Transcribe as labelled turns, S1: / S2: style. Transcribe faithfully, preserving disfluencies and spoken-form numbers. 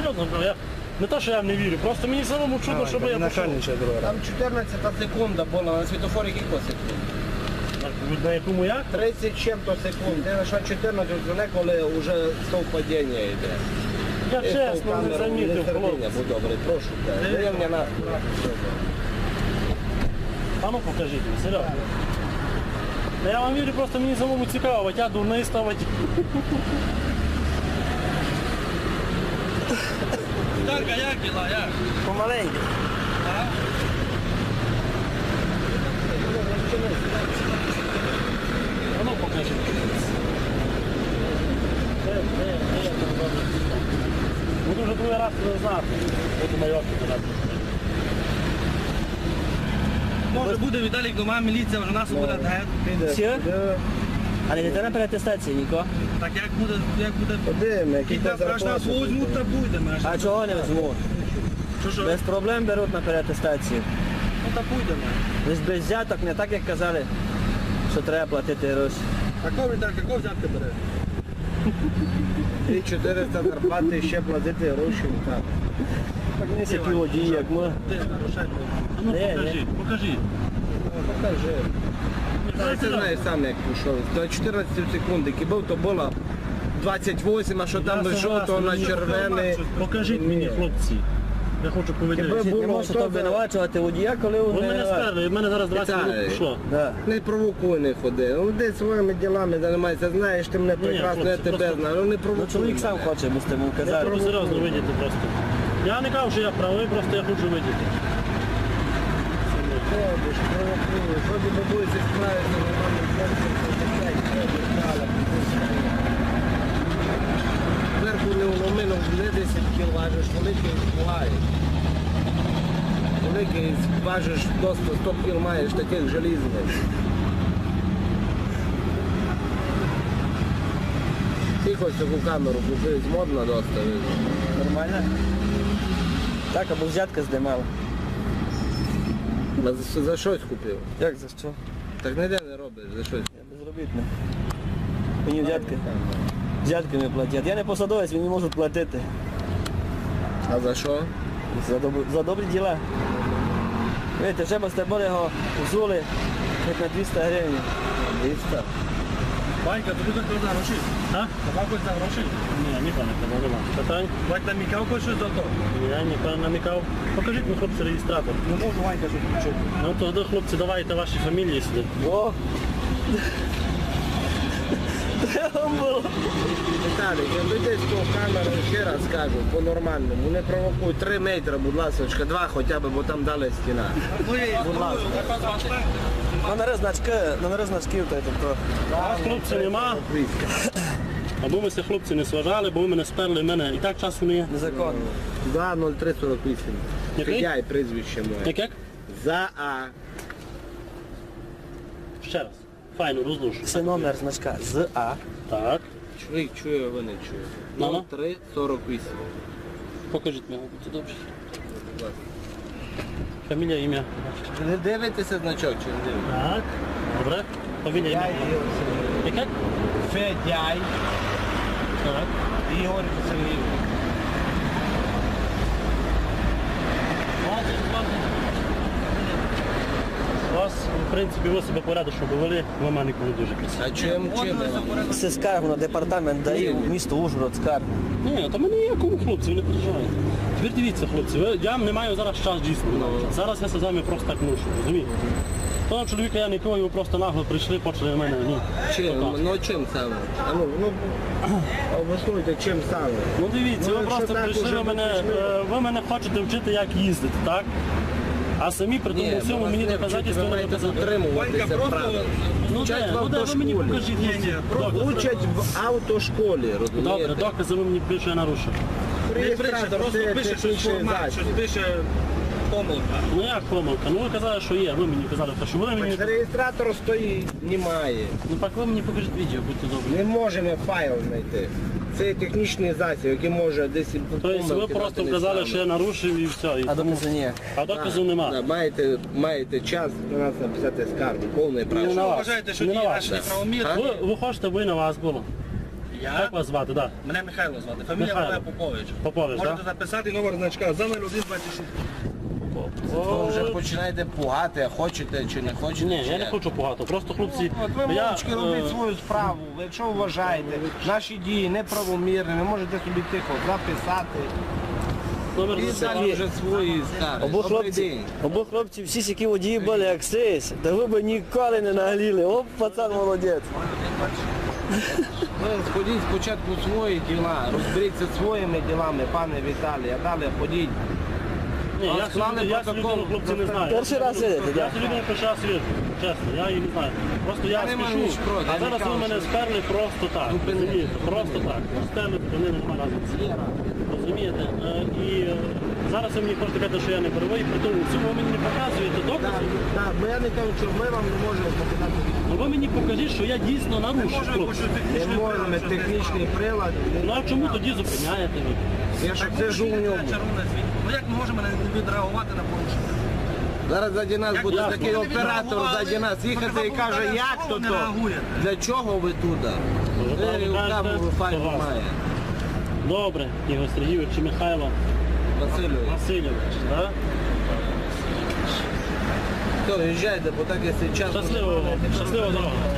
S1: серйозно, я... Не те, що я не вірю, просто мені самому чудно, щоб я пішов.
S2: Там чотирнадцята секунда була, на світофорі кілька секунд.
S1: На якому як?
S2: тридцять чим-то секунд. Ти знайшов чотирнадцять, вже коли вже совпадіння йде.
S1: Я чесно не замітив, хлопці.
S2: Будь добрий, прошу. Дивня нас.
S1: А ну покажіть мені, серйозно. Я вам вірю, просто мені самому цікаво, я дурний ставити.
S3: Віталька, як діла, як?
S1: Помаленьку. А ну покажіть. Буду вже другий раз не знати. Буду майорки казати.
S3: Може буде Віталік дома, міліція вже нас буде геть.
S4: Все? Але не треба переатестації, Ніко.
S3: Так як буде, як буде...
S2: Подивимо, які
S3: Кілька
S2: там
S3: страшно нас
S2: зарплати.
S3: возьмуть, та будемо.
S4: А чого не візьмуть?
S3: Що, що?
S4: Без проблем беруть на переатестацію.
S3: Ну та будемо.
S4: Лиш без взяток, не так як казали, що треба платити гроші.
S3: А кого Віталька, кого взятки бере?
S2: І чотириста зарплати ще платити гроші. Так.
S4: Так не всякі водії, як ми.
S3: Де, грошей?
S1: А ну
S4: Де,
S1: покажіть, покажіть.
S2: Покажи. Ти знаєш сам, як пішов. До чотирнадцять секунд, який був, то було двадцять вісім, а що там
S1: Я
S2: жовто
S1: согласен,
S2: на
S1: мені
S2: червоний.
S1: Покажіть мені, хлопці. Я хочу повідомити.
S2: Якби
S4: Не
S2: було
S4: можете
S2: то,
S4: так винувачувати водія, коли
S1: Ви
S4: він не
S1: мене
S4: винуватий.
S1: сперли, в мене зараз двадцять
S2: Віталій.
S1: минут пішло.
S4: Да.
S2: Не провокуй, не ходи. Ну, де своїми ділами займається, знаєш, ти мене
S1: Ні,
S2: прекрасно, я
S1: хлопці,
S2: тебе
S1: просто-
S2: знаю, ну не
S4: Ну
S2: провокуй.
S4: чоловік сам
S2: мене.
S4: хоче, ми з тим
S1: Я
S4: казали.
S1: хочу серйозно видіти просто. Я не кажу, що я правий, просто я хочу видіти.
S2: Ходиш, провокуєш, вроді би будете справитися, нормально хлопцем, зверху не уломину, не десять кіл важиш, великий лаєш. Великий важиш до сто кіл маєш, таких желізних. Тихо таку камеру купив, модно доста.
S4: Нормально? Так, або взятка здимали.
S2: А за, за щось купив.
S4: Як за що?
S2: Так ніде не робиш, за щось.
S4: Я безробітний. Мені взятки. Взятки не платять. Я не посадовець, він не може платити.
S2: А за що?
S4: За, доб... за добрі діла. Видите, вже без тебе його взули хоч на двісті гривень.
S2: двісті.
S3: Ванька, тобі так за гроші?
S1: А?
S3: Давай хоч за гроші?
S1: Ні, ніколи не казав, нема. Питань?
S3: Вань намікав хоч щось за то?
S1: Я ніколи не намікав. Покажіть мені, хлопці, реєстратор.
S3: Не можу Ванька щось включити.
S1: Ну тоді, хлопці, давайте ваші фамілії сюди.
S4: О! Треба було.
S2: Віталій, я десь по камеру ще раз кажу, по-нормальному, не провокуй, три метри, будь ласка, два хоча б, бо там далі стіна.
S4: Будь ласка. Номери значки, номери значків, то то.
S1: Вас, хлопці, нема. Або ми ся хлопці не сважали, бо ви мене сперли, мене і так часу не є.
S4: Незаконно.
S2: За нуль три сорок вісім.
S1: Який?
S2: Я і прізвище моє.
S1: Як як?
S2: За А.
S1: Ще раз. Файно, розлушу.
S4: Це номер значка з А.
S1: Так.
S2: Чоловік чує, а ви не чує.
S1: Ну-ну.
S2: нуль три сорок вісім.
S1: Покажіть мені, будьте добре. Фамілія, ім'я.
S2: Не дивитеся значок, чи не дивитеся?
S1: Так. Добре. Фамілія, ім'я. Як як?
S2: Федяй
S1: Так.
S2: Ігор Сергійович.
S1: У вас, в принципі, ви себе порядочно повели, ви мене ніколи дуже красиво.
S2: А чим, чим?
S4: Це скаргу на департамент ДАІ в місто Ужгород скаргу.
S1: Ні, то мене ніякому хлопці, ви не переживайте. Тепер дивіться, хлопці, ви, я не маю зараз час дійсно. Зараз я з вами просто так ношу, розумієте? Того чоловіка я не пив, ви просто нагло прийшли, почали на мене, ні.
S2: Чим? Ну чим саме? А ну, ну, обоснуйте, чим саме?
S1: Ну дивіться,
S2: Ну,
S1: ви
S2: якщо
S1: просто
S2: так
S1: прийшли,
S2: уже
S1: ви мене,
S2: прийшли.
S1: е, ви мене хочете вчити, як їздити, так? А самі при тому всьому мені доказательство
S2: ви
S1: не
S2: маєте
S1: доказати.
S2: дотримуватися
S3: Ванька, просто-
S2: правил.
S1: Ну
S2: Вчать
S1: де,
S2: в
S1: ну де, ви мені
S2: автошколі.
S1: покажіть.
S3: Ні, ні,
S1: докази.
S2: Учать в автошколі,
S1: Добре,
S2: розумієте?
S1: докази ви мені більше я нарушив.
S3: Не пише,
S2: Реєстратор
S3: просто
S2: це
S3: пише щось
S2: технічний
S3: формат,
S2: засіб.
S3: щось пише помилка.
S1: Ну як помилка? Ну ви казали, що є, ви мені казали, що ви мені...
S2: Реєстратор стоїть, немає.
S1: Ну так ви мені покажіть відео, будьте добрі.
S2: Не можемо файл знайти. Це технічний засіб, який може десь
S1: Тобто ви просто вказали, що я нарушив і все. І...
S4: А доказу ні.
S1: А доказу нема.
S2: Да, маєте, маєте час на нас написати скаргу, повне
S1: Не
S2: право.
S1: на вас.
S3: Вважаєте, що
S1: Не на
S3: дії
S1: вас.
S3: наші неправомірні?
S1: Ви, ви хочете, ви на вас було.
S3: Я?
S1: Як вас звати, так?
S3: Мене Михайло звати, фамілія
S1: Михайло.
S3: моя Попович.
S1: Попович,
S3: Можете
S1: так?
S3: записати номер значка за нуль один двадцять шість.
S2: Ви вже починаєте пугати, хочете чи не хочете.
S1: Ні,
S2: чи
S1: я не
S2: як?
S1: хочу багато. Просто хлопці.
S2: От ви
S1: я,
S2: мовчки
S1: е,
S2: робіть свою справу. Ви Якщо вважаєте наші дії неправомірні, ви можете собі тихо записати.
S1: номер
S2: І
S1: засилки.
S2: далі вже свої скарги.
S4: Обох
S2: Добрий
S4: хлопці,
S2: день.
S4: обох хлопці всі сякі водії були як сись, та ви б ніколи не нагліли. Оп, пацан молодець.
S2: Ви сходіть спочатку свої діла, розберіться своїми ділами, пане Віталій, а далі ходіть.
S1: Ні, я цю
S2: Склали
S1: людину- я цю
S2: протокол.
S1: людину, хлопці, не знаю.
S4: Перший раз видите,
S1: Я
S4: так?
S1: цю людину перший раз вижу, чесно, я її не знаю. Просто я
S2: Я не маю
S1: спішу,
S2: ніч проти,
S1: а
S2: я не
S1: зараз ви
S2: кажу,
S1: мене
S2: що-
S1: сперли просто так.
S2: Зупинили.
S1: Розумієте, просто так. Сперли, зупинили, немає разниці. Розумієте? Е, І е, зараз ви мені хочете казати, що я не правий, при тому в цьому ви мені не показуєте докази.
S2: Так, бо я не кажу, що ми вам не можемо показати.
S1: Ну ви мені покажіть, що я дійсно нарушив, хлопці.
S2: Не можемо, технічний прилад.
S1: Ну а чому тоді зупиняєте ви?
S2: Я ж сижу в ньому.
S3: Ну як ми можемо не відреагувати на порушення?
S2: Зараз заді нас буде
S1: ясно.
S2: такий оператор заді нас їхати і каже, як то
S3: не
S2: то?
S3: реагуєте.
S2: Для чого ви туди?
S1: правильно
S2: Ви
S1: кажете,
S2: камеру файну
S1: согласен.
S2: має.
S1: Добре, Ігор Сергійович чи Михайло
S2: Васильович.
S1: Васильович, так?
S2: То, їжджайте, бо так якщо час...
S1: Щасливо, вам, щасливо дорога.